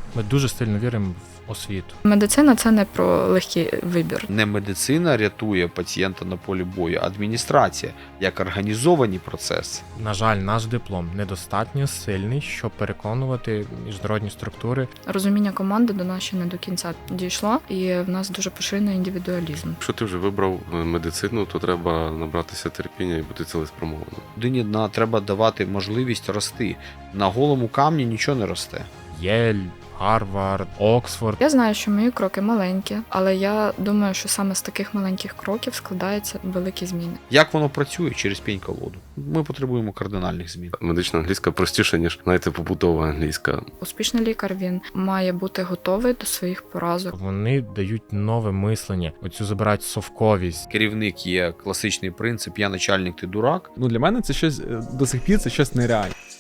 Ми дуже сильно віримо в освіту. Медицина – це не про легкий вибір. Не медицина рятує пацієнта на полі бою, а адміністрація, як організовані процеси. На жаль, наш диплом недостатньо сильний, щоб переконувати міжнародні структури. Розуміння команди до нас ще не до кінця дійшло, і в нас дуже поширений індивідуалізм. Якщо ти вже вибрав медицину, то треба набратися терпіння і бути цілеспрямованим. Людині треба давати можливість рости. На голому камні нічого не росте. Єль, Гарвард, Оксфорд. Я знаю, що мої кроки маленькі, але я думаю, що саме з таких маленьких кроків складаються великі зміни. Як воно працює через пінь-колоду? Ми потребуємо кардинальних змін. Медична англійська простіша, ніж, знаєте, побутова англійська. Успішний лікар, він має бути готовий до своїх поразок. Вони дають нове мислення, оцю забирають совковість. Керівник є класичний принцип «я начальник, ти дурак». Для мене це щось до сих пір це щось нереальне.